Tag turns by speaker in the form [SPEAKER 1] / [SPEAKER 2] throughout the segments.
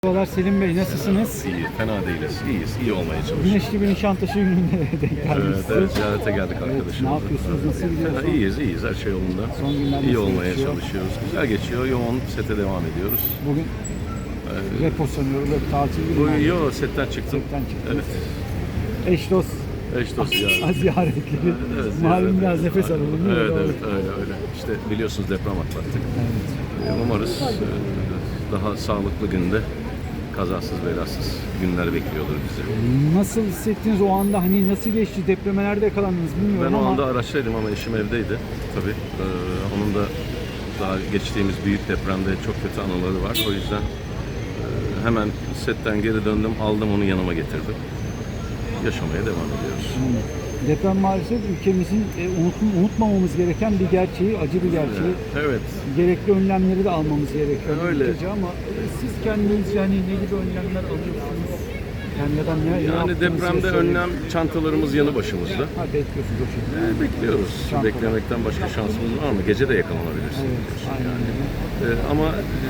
[SPEAKER 1] Merhabalar Selim Bey, nasılsınız?
[SPEAKER 2] İyi, fena değiliz. İyiyiz, iyi olmaya çalışıyoruz.
[SPEAKER 1] Güneşli bir Nişantaşı gününde denk geldiniz.
[SPEAKER 2] Evet, ziyarete geldik arkadaşımızla.
[SPEAKER 1] Ne yapıyorsunuz, nasıl gidiyor?
[SPEAKER 2] Fena, iyiyiz, her şey yolunda.
[SPEAKER 1] Son günler
[SPEAKER 2] İyi
[SPEAKER 1] nasıl
[SPEAKER 2] olmaya
[SPEAKER 1] geçiyor?
[SPEAKER 2] çalışıyoruz. Güzel geçiyor, yoğun sete devam ediyoruz.
[SPEAKER 1] Bugün repo sanıyorum, hep tatil
[SPEAKER 2] Bu
[SPEAKER 1] günü.
[SPEAKER 2] yo setten çıktım.
[SPEAKER 1] Setten çıktınız.
[SPEAKER 2] Evet.
[SPEAKER 1] Eş dost
[SPEAKER 2] Eş dost ziyaret.
[SPEAKER 1] ziyaretleri.
[SPEAKER 2] Evet,
[SPEAKER 1] Malum
[SPEAKER 2] ziyaret.
[SPEAKER 1] biraz nefes alalım. değil mi?
[SPEAKER 2] Evet,
[SPEAKER 1] Doğru.
[SPEAKER 2] evet, öyle. İşte biliyorsunuz deprem atlattık.
[SPEAKER 1] Evet.
[SPEAKER 2] Umarız daha sağlıklı günde kazasız belasız günler bekliyordur bizi.
[SPEAKER 1] Nasıl hissettiniz o anda, hani nasıl geçti, depremelerde yakalandınız bilmiyorum
[SPEAKER 2] Ben o
[SPEAKER 1] ama.
[SPEAKER 2] anda araçtaydım ama eşim evdeydi. Tabii onun da daha geçtiğimiz büyük depremde çok kötü anıları var. O yüzden hemen setten geri döndüm, aldım onu yanıma getirdim. Yaşamaya devam ediyoruz.
[SPEAKER 1] Deprem maalesef ülkemizin unutmamamız gereken bir gerçeği, acı bir gerçeği.
[SPEAKER 2] Evet.
[SPEAKER 1] Gerekli önlemleri de almamız gerekiyor.
[SPEAKER 2] Öyle.
[SPEAKER 1] Ülkece ama siz kendiniz yani ne gibi önlemler alıyorsunuz? Yani ya da ne
[SPEAKER 2] Yani
[SPEAKER 1] yaptığınızı
[SPEAKER 2] depremde
[SPEAKER 1] söyleyin.
[SPEAKER 2] önlem çantalarımız yanı başımızda.
[SPEAKER 1] Ha, bekliyorsunuz o şekilde.
[SPEAKER 2] Bekliyoruz.
[SPEAKER 1] Çantalar.
[SPEAKER 2] Beklemekten başka şansımız var mı? Gece de yakalanabilirsin.
[SPEAKER 1] Evet, aynen öyle.
[SPEAKER 2] Ama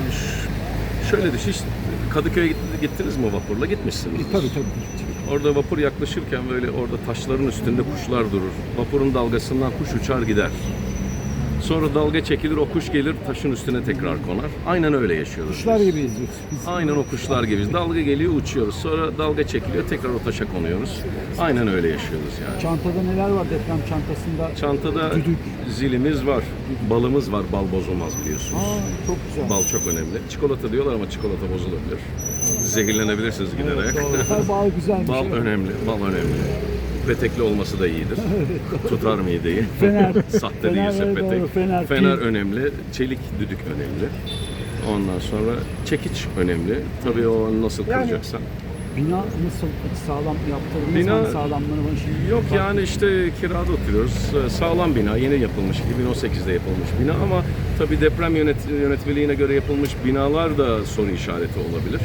[SPEAKER 2] şöyle düşün, hiç Kadıköy'e gittiniz mi vapurla? Gitmişsiniz.
[SPEAKER 1] Tabii.
[SPEAKER 2] Orada vapur yaklaşırken böyle orada taşların üstünde kuşlar durur. Vapurun dalgasından kuş uçar gider. Sonra dalga çekilir, o kuş gelir taşın üstüne tekrar konar. Aynen öyle yaşıyoruz.
[SPEAKER 1] Kuşlar
[SPEAKER 2] biz.
[SPEAKER 1] gibi izliyoruz. Biz
[SPEAKER 2] Aynen o kuşlar gibiyiz. Dalga geliyor, uçuyoruz. Sonra dalga çekiliyor, tekrar o taşa konuyoruz. Aynen öyle yaşıyoruz yani.
[SPEAKER 1] çantada neler var deprem çantasında?
[SPEAKER 2] Çantada
[SPEAKER 1] Düdük.
[SPEAKER 2] zilimiz var, balımız var. Bal bozulmaz biliyorsunuz.
[SPEAKER 1] Çok güzel.
[SPEAKER 2] Bal çok önemli. Çikolata diyorlar ama çikolata bozulabilir. Zehirlenebilirsiniz giderek.
[SPEAKER 1] Doğru. Bal güzel bir
[SPEAKER 2] Bal
[SPEAKER 1] şey.
[SPEAKER 2] önemli, bal önemli. Petekli olması da iyidir. Tutar mideyi.
[SPEAKER 1] Fener.
[SPEAKER 2] Sahte
[SPEAKER 1] Fener,
[SPEAKER 2] değilse
[SPEAKER 1] evet,
[SPEAKER 2] petek.
[SPEAKER 1] doğru. Fener, pil.
[SPEAKER 2] önemli, çelik düdük önemli. Ondan sonra çekiç önemli. Tabii o nasıl kıracaksan.
[SPEAKER 1] Bina nasıl sağlam yaptırdınız?
[SPEAKER 2] Bina-
[SPEAKER 1] Hani sağlamlığını bana şimdi
[SPEAKER 2] Yok yani işte kirada oturuyoruz. Sağlam bina, yeni yapılmış, 2018'de yapılmış bina ama tabii deprem yönetmeliğine göre yapılmış binalar da soru işareti olabilir.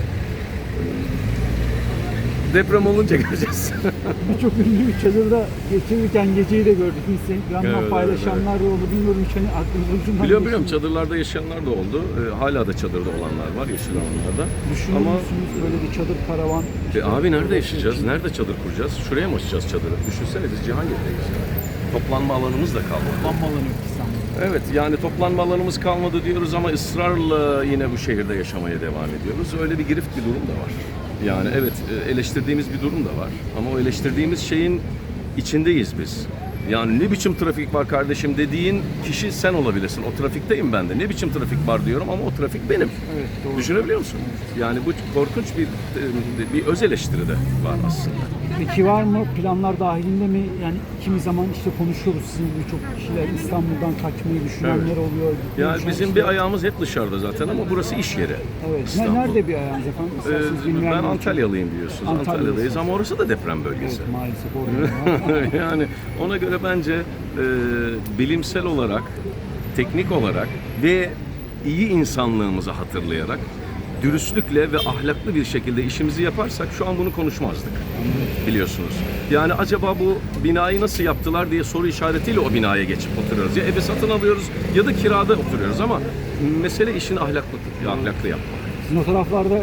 [SPEAKER 2] Deprem olunca göreceğiz.
[SPEAKER 1] Birçok ünlü bir çadırda geçirirken geceyi de gördük. Instagram'dan
[SPEAKER 2] Evet,
[SPEAKER 1] paylaşanlar da oldu. Bilmiyorum hiç hani aklınıza ucundan
[SPEAKER 2] Biliyorum
[SPEAKER 1] geçti mi?
[SPEAKER 2] çadırlarda yaşayanlar da oldu. Hala da çadırda olanlar var yeşil alanlarda.
[SPEAKER 1] Düşünüyor
[SPEAKER 2] Ama
[SPEAKER 1] musunuz böyle bir çadır karavan?
[SPEAKER 2] abi nerede yaşayacağız? Nerede çadır kuracağız? Şuraya mı açacağız çadırı? Düşünsene biz Cihangir'deyiz. Toplanma alanımız da kalmadı.
[SPEAKER 1] Toplanma alanı yok İstanbul'da.
[SPEAKER 2] Evet yani toplanma alanımız kalmadı diyoruz ama ısrarla yine bu şehirde yaşamaya devam ediyoruz. Öyle bir girift bir durum da var. Yani evet eleştirdiğimiz bir durum da var. Ama o eleştirdiğimiz şeyin içindeyiz biz. Yani ne biçim trafik var kardeşim dediğin kişi sen olabilirsin. O trafikteyim ben de. Ne biçim trafik var diyorum ama o trafik benim.
[SPEAKER 1] Evet, doğru.
[SPEAKER 2] Düşünebiliyor musun? Yani bu korkunç bir öz eleştiri de var aslında.
[SPEAKER 1] Peki var mı planlar dahilinde mi? Yani kimi zaman işte konuşuyoruz sizin birçok kişiler İstanbul'dan kaçmayı düşünenler oluyor.
[SPEAKER 2] Yani
[SPEAKER 1] Konuşan
[SPEAKER 2] bizim
[SPEAKER 1] işte-
[SPEAKER 2] bir ayağımız hep dışarıda zaten ama burası iş yeri.
[SPEAKER 1] Evet.
[SPEAKER 2] İstanbul.
[SPEAKER 1] Nerede bir ayağınız efendim? İsterseniz
[SPEAKER 2] Ben
[SPEAKER 1] bilmeyenler için.
[SPEAKER 2] Antalyalıyım biliyorsunuz.
[SPEAKER 1] Antalyalısınız.
[SPEAKER 2] Antalya'dayız ama orası da deprem bölgesi.
[SPEAKER 1] Evet, maalesef orada.
[SPEAKER 2] Yani ona göre bence bilimsel olarak, teknik olarak ve iyi insanlığımızı hatırlayarak dürüstlükle ve ahlaklı bir şekilde işimizi yaparsak şu an bunu konuşmazdık. Biliyorsunuz. Yani acaba bu binayı nasıl yaptılar diye soru işaretiyle o binaya geçip oturuyoruz. Ya evi satın alıyoruz ya da kirada oturuyoruz ama mesele işini ahlaklı yapmak.
[SPEAKER 1] Sizin o taraflarda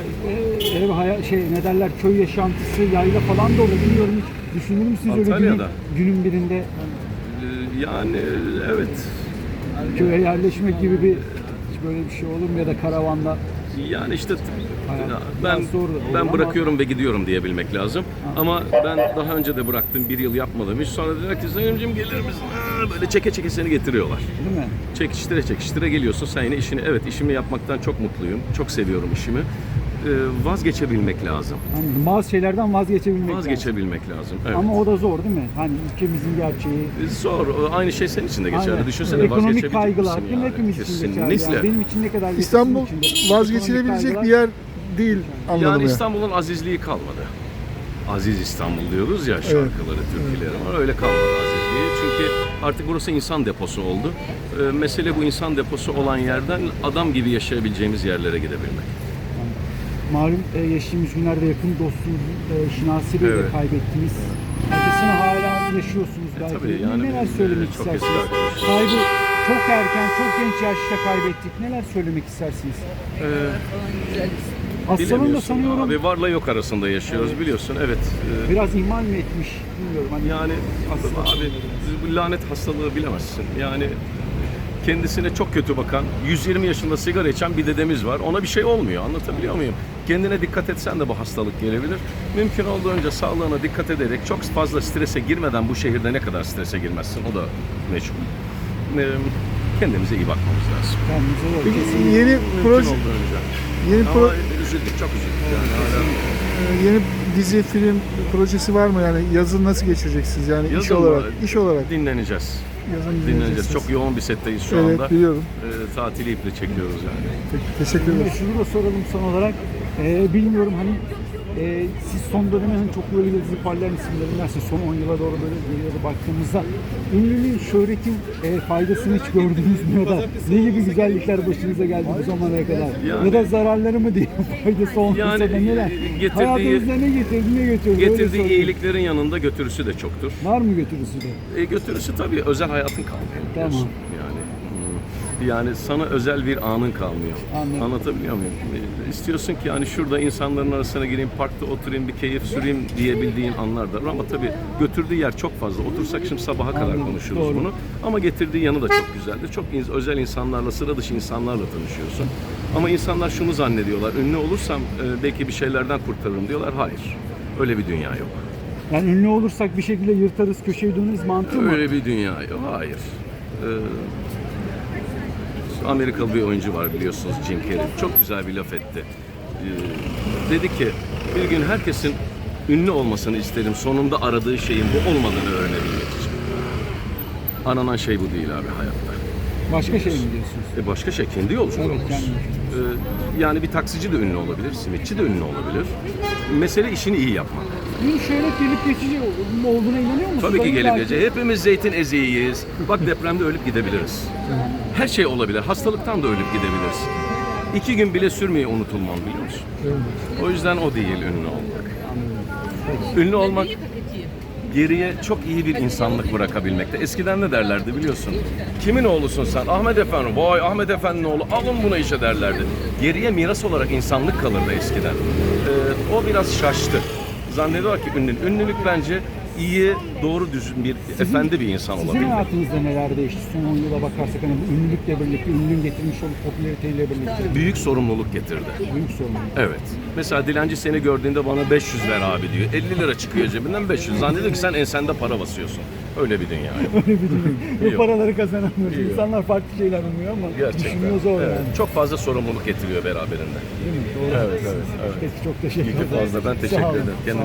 [SPEAKER 1] ne derler, köy yaşantısı, yayla falan da olur. Bilmiyorum hiç düşünür müsünüz öyle
[SPEAKER 2] Antalya'da.
[SPEAKER 1] günün birinde
[SPEAKER 2] Yani evet.
[SPEAKER 1] köye yerleşmek gibi bir hiç böyle bir şey olur mu ya da karavanda?
[SPEAKER 2] Yani işte
[SPEAKER 1] Hayat
[SPEAKER 2] ben
[SPEAKER 1] biraz zor olur ama-
[SPEAKER 2] bırakıyorum ve gidiyorum diyebilmek lazım. Ama ben daha önce de bıraktım, bir yıl yapmadım hiç. Sonra dediler ki Sayımcığım gelir misin? Böyle çeke çeke seni getiriyorlar.
[SPEAKER 1] Değil mi?
[SPEAKER 2] Çekiştire geliyorsun. Sen yine işimi yapmaktan çok mutluyum. Çok seviyorum işimi. Vazgeçebilmek lazım.
[SPEAKER 1] Hani bazı şeylerden vazgeçebilmek lazım.
[SPEAKER 2] Vazgeçebilmek lazım. Evet.
[SPEAKER 1] Ama o da zor değil mi? Hani ülkemizin gerçeği.
[SPEAKER 2] Zor. Aynı şey senin için de geçerli.
[SPEAKER 1] Aynen.
[SPEAKER 2] Düşünsene
[SPEAKER 1] Ekonomik
[SPEAKER 2] vazgeçebilecek
[SPEAKER 1] kaygılar
[SPEAKER 2] misin
[SPEAKER 1] değil mi?
[SPEAKER 2] yani?
[SPEAKER 1] Hepimiz için geçerli.
[SPEAKER 2] Kesinlikle.
[SPEAKER 1] Yani. Benim için ne kadar geçerli,
[SPEAKER 3] İstanbul
[SPEAKER 1] sizin için de.
[SPEAKER 3] vazgeçilebilecek
[SPEAKER 1] Ekonomik
[SPEAKER 3] bir
[SPEAKER 1] kaygılar-
[SPEAKER 3] yer değil anladım
[SPEAKER 2] Yani
[SPEAKER 3] ya.
[SPEAKER 2] İstanbul'un azizliği kalmadı. Aziz İstanbul diyoruz ya şarkıları, türküleri var. Öyle kalmadı azizliği. Çünkü artık burası insan deposu oldu. Mesele bu insan deposu olan yerden adam gibi yaşayabileceğimiz yerlere gidebilmek.
[SPEAKER 1] Malum geçtiğimiz günlerde yakın dostunuz Şinasi Bey'i de
[SPEAKER 2] Evet.
[SPEAKER 1] kaybettiniz. Acısını hala yaşıyorsunuz belki.
[SPEAKER 2] tabii yani
[SPEAKER 1] Neler
[SPEAKER 2] biz,
[SPEAKER 1] söylemek
[SPEAKER 2] çok eski
[SPEAKER 1] istersiniz?
[SPEAKER 2] arkadaşız.
[SPEAKER 1] Kaybı çok erken, çok genç yaşta kaybettik. Neler söylemek istersiniz? Hastalığın da
[SPEAKER 2] Bilemiyorsun
[SPEAKER 1] sanıyorum
[SPEAKER 2] abi, varla yok arasında yaşıyoruz biliyorsun. Evet.
[SPEAKER 1] biraz ihmal mi etmiş bilmiyorum. Hani
[SPEAKER 2] Yani abi bu lanet hastalığı bilemezsin. Yani kendisine çok kötü bakan, 120 yaşında sigara içen bir dedemiz var. Ona bir şey olmuyor. Anlatabiliyor muyum? Kendine dikkat etsen de bu hastalık gelebilir. Mümkün olduğunca sağlığına dikkat ederek çok fazla strese girmeden bu şehirde ne kadar strese girmezsin o da meçhul. Kendimize iyi bakmamız lazım.
[SPEAKER 1] kendimize yok.
[SPEAKER 3] Peki
[SPEAKER 1] Kesinlikle.
[SPEAKER 3] yeni
[SPEAKER 2] Mümkün
[SPEAKER 3] proje,
[SPEAKER 2] olduğunca.
[SPEAKER 3] yeni
[SPEAKER 2] Ama üzüldük, çok üzüldük. Yani hala
[SPEAKER 3] yeni dizi, film projesi var mı yani? Yazın nasıl geçireceksiniz yani iş
[SPEAKER 2] Yazın
[SPEAKER 3] olarak?
[SPEAKER 2] mı?
[SPEAKER 3] İş olarak
[SPEAKER 2] dinleneceğiz.
[SPEAKER 3] yazın
[SPEAKER 2] Dinleneceğiz.
[SPEAKER 3] dinleyeceksiniz.
[SPEAKER 2] Çok yoğun bir setteyiz şu
[SPEAKER 3] Evet,
[SPEAKER 2] anda.
[SPEAKER 3] biliyorum.
[SPEAKER 2] Tatili iple çekiyoruz yani.
[SPEAKER 3] Peki, teşekkür ederim.
[SPEAKER 1] Şunu da soralım son olarak. Bilmiyorum hani siz son döneme hani çok böyle yıldızı parlayan isimlerindense son 10 yıla doğru böyle geriye de baktığımızda ünlülüğün, şöhretin faydasını hiç gördünüz mü ya da ne gibi güzellikler başınıza geldi bu zamana kadar?
[SPEAKER 2] Yani-
[SPEAKER 1] Ya da zararları mı diye faydası olmasa
[SPEAKER 2] Yani,
[SPEAKER 1] da neler?
[SPEAKER 2] getirdiği-
[SPEAKER 1] Hayatınızda ne getirdi, ne götürdü? Öyle
[SPEAKER 2] Getirdiği
[SPEAKER 1] sorayım.
[SPEAKER 2] iyiliklerin yanında götürüsü de çoktur.
[SPEAKER 1] Var mı götürüsü de?
[SPEAKER 2] Götürüsü tabii özel hayatın kalmıyor.
[SPEAKER 1] Tamam.
[SPEAKER 2] biliyorsun. Yani sana özel bir anın kalmıyor.
[SPEAKER 1] Anladım.
[SPEAKER 2] Anlatabiliyor muyum? İstiyorsun ki yani şurada insanların arasına gireyim, parkta oturayım, bir keyif süreyim diyebildiğin anlar da var. Ama tabii götürdüğü yer çok fazla. Otursak şimdi sabaha kadar
[SPEAKER 1] Anladım,
[SPEAKER 2] konuşuruz
[SPEAKER 1] doğru.
[SPEAKER 2] bunu. Ama getirdiği yanı da çok güzeldir. Çok özel insanlarla, sıra dışı insanlarla tanışıyorsun. Ama insanlar şunu zannediyorlar. Ünlü olursam belki bir şeylerden kurtarırım diyorlar. Hayır. Öyle bir dünya yok.
[SPEAKER 1] Yani ünlü olursak bir şekilde yırtarız, köşeye döneriz mantığı mı?
[SPEAKER 2] Öyle bir dünya yok. Hayır. Amerikalı bir oyuncu var biliyorsunuz, Jim Carrey. Çok güzel bir laf etti. Dedi ki bir gün herkesin ünlü olmasını isterim. Sonunda aradığı şeyin bu olmadığını öğrenebilmek için. Aranan şey bu değil abi hayatta.
[SPEAKER 1] Başka şey mi diyorsunuz?
[SPEAKER 2] Başka şey kendi yolculuğumuz.
[SPEAKER 1] Evet, kendi yolculuğumuz.
[SPEAKER 2] Yani bir taksici de ünlü olabilir, simitçi de ünlü olabilir. Mesele işini iyi yapmak.
[SPEAKER 1] Ün şöhret gelip geçici olduğuna inanıyor musunuz?
[SPEAKER 2] Tabii ki
[SPEAKER 1] Hayır,
[SPEAKER 2] gelip
[SPEAKER 1] belki-
[SPEAKER 2] geçecek. Hepimiz zeytin eziğiyiz. Bak depremde ölüp gidebiliriz. Her şey olabilir. Hastalıktan da ölüp gidebiliriz. 2 gün bile sürmeyi unutulmam biliyor musun? O yüzden o değil ünlü olmak. Ünlü olmak geriye çok iyi bir insanlık bırakabilmekte. Eskiden ne derlerdi biliyorsun? Kimin oğlusun sen? Ahmet Efendi. Vay Ahmet Efendi'nin oğlu. Alın buna işe derlerdi. Geriye miras olarak insanlık kalırdı eskiden. O biraz şaştı. Zannediyor ki ünlülük bence iyi, doğru düzgün bir efendi bir insan
[SPEAKER 1] Sizin
[SPEAKER 2] olabilmek.
[SPEAKER 1] hayatınızda neler değişti? Son 10 yıla bakarsak hani bu ünlülükle birlikte, ünlünün getirmiş olduğu popülariteyle birlikte
[SPEAKER 2] Büyük sorumluluk getirdi.
[SPEAKER 1] büyük sorun.
[SPEAKER 2] Evet. Mesela dilenci seni gördüğünde bana 500 ver abi diyor. 50 lira çıkıyor cebinden 500. Zannediyor ki sen ensende para basıyorsun. Öyle bir dünya.
[SPEAKER 1] Öyle bir durum. Bu
[SPEAKER 2] Yok.
[SPEAKER 1] paraları kazanamıyoruz.
[SPEAKER 2] Yok.
[SPEAKER 1] İnsanlar farklı şeyler umuyor ama
[SPEAKER 2] Gerçekten.
[SPEAKER 1] düşünüyor zor
[SPEAKER 2] Evet.
[SPEAKER 1] yani.
[SPEAKER 2] Çok fazla sorumluluk getiriyor beraberinde.
[SPEAKER 1] Değil mi? Doğru.
[SPEAKER 2] Evet, evet, evet.
[SPEAKER 1] Peki çok teşekkür
[SPEAKER 2] İyi
[SPEAKER 1] ederim.
[SPEAKER 2] ki fazla. Ben
[SPEAKER 1] Sağ
[SPEAKER 2] teşekkür
[SPEAKER 1] olun.
[SPEAKER 2] ederim. Kendinize